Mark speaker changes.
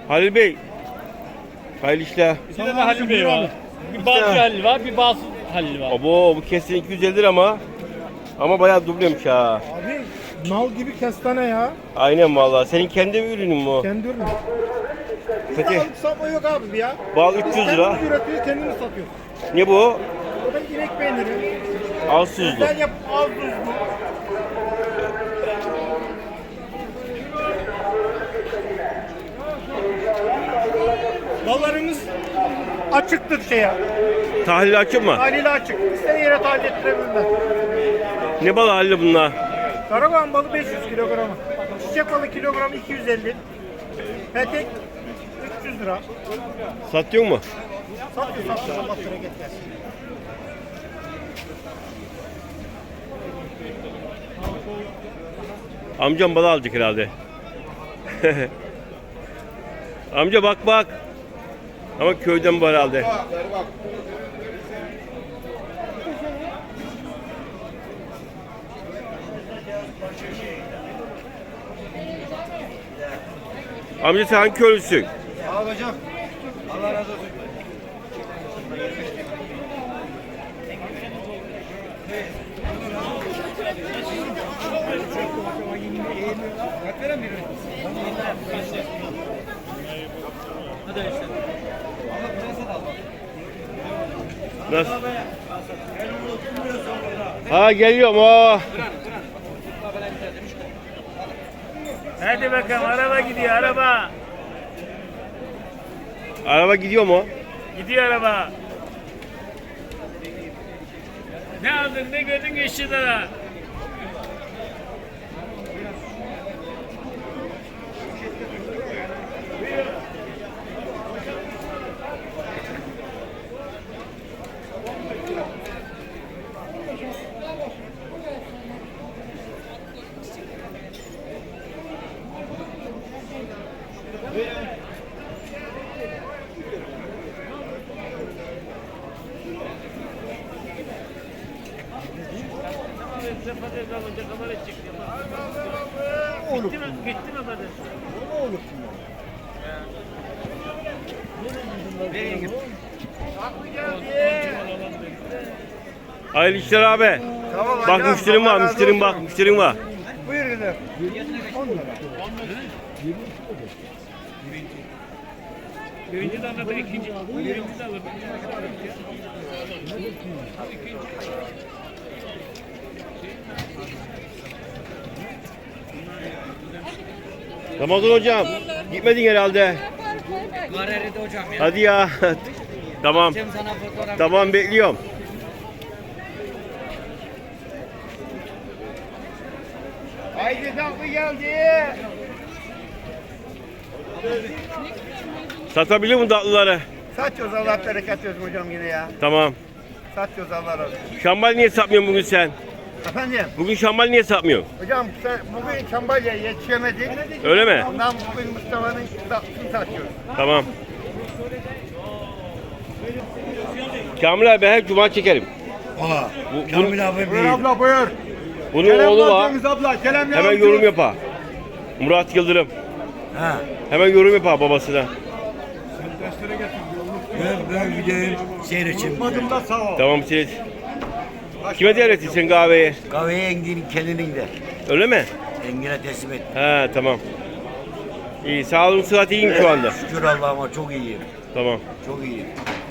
Speaker 1: Halil Bey. Hayırlı işler.
Speaker 2: Bir de Halil Bey var. Bir Balcı Halil var, bir Bağsız Halil var.
Speaker 1: Abo bu kesin 250 lira ama. Ama bayağı dublemiş ha.
Speaker 3: Abi nal gibi kestane ya.
Speaker 1: Aynen vallahi. Senin kendi ürünün mü o?
Speaker 3: Kendi ürünü.
Speaker 1: Peki.
Speaker 3: Bizde alıp satma yok abi ya.
Speaker 1: Bal 300 lira.
Speaker 3: Kendimiz üretiyoruz, kendimiz satıyoruz.
Speaker 1: Ne bu?
Speaker 3: O da inek peyniri.
Speaker 1: Az tuzlu.
Speaker 3: Güzel yap, az tuzlu. Ballarımız açıktır şeye.
Speaker 1: Tahlil açık mı?
Speaker 3: Haliyle açık. İstediği yere tahlil ettirebilirler.
Speaker 1: Ne balı Halil bunlar?
Speaker 3: Karagoğan balı 500 kilogramı. Çiçek balı kilogramı 250. Petek 300 lira.
Speaker 1: Satıyor mu?
Speaker 3: Satıyor. Allah bereket versin.
Speaker 1: Amcam balı alacak herhalde. Amca bak. Ama köyden bu herhalde. Amca sen hangi köylüsün?
Speaker 3: Sağ ol hocam. Allah razı olsun.
Speaker 1: Nasıl? Ha geliyorum o.
Speaker 2: Hadi bakalım, araba gidiyor, araba.
Speaker 1: Araba gidiyor mu?
Speaker 2: Gidiyor araba. Ne aldın, ne gördün 5 lira. Gitti mi kadın?
Speaker 1: Hayırlı işler abi. Bak müşterim var, müşterim var.
Speaker 3: Buyur gidelim.
Speaker 2: Birinci de anlatır, ikinci. Birinci de alır.
Speaker 1: Ramazan hocam, gitmedin herhalde.
Speaker 4: Gareride hocam ya.
Speaker 1: Hadi ya. Tamam.
Speaker 4: Cem sana fotoğraf.
Speaker 1: Tamam bekliyorum.
Speaker 3: Haydi tatlı geldi.
Speaker 1: Satabilir mi tatlıları?
Speaker 3: Satıyoruz Allah bereket versin hocam yine ya.
Speaker 1: Tamam.
Speaker 3: Satıyoruz Allah razı olsun.
Speaker 1: Şambal niye satmıyorsun bugün sen?
Speaker 3: Efendim
Speaker 1: Bugün şambal niye satmıyorsun?
Speaker 3: hocam sen bugün Çambalya'ya yetişemedik.
Speaker 1: Öyle mi?
Speaker 3: Ondan bugün Mustafa'nın tatlısını satıyoruz.
Speaker 1: Tamam. Kamil abi her cuma çekerim.
Speaker 5: Aa,
Speaker 1: Bu-
Speaker 5: Kamil abi
Speaker 3: Buyur
Speaker 5: bir.
Speaker 3: abla buyur.
Speaker 1: Bunun oğlu var.
Speaker 3: Abla. Kerem
Speaker 1: Hemen yorum yapar. Murat Yıldırım.
Speaker 5: Ha.
Speaker 1: Hemen yorum yapar babasına.
Speaker 5: Ben videoyu seyredeceğim.
Speaker 1: Tamam siz. Kime devrettin kahveyi?
Speaker 5: Kahveyi Engin'in kendinin de.
Speaker 1: Öyle mi?
Speaker 5: Engin'e teslim et.
Speaker 1: He tamam. İyi sağlığın sıhhat iyiyim şu anda.
Speaker 5: Şükür Allah'ıma çok iyiyim.
Speaker 1: Tamam.
Speaker 5: Çok iyiyim.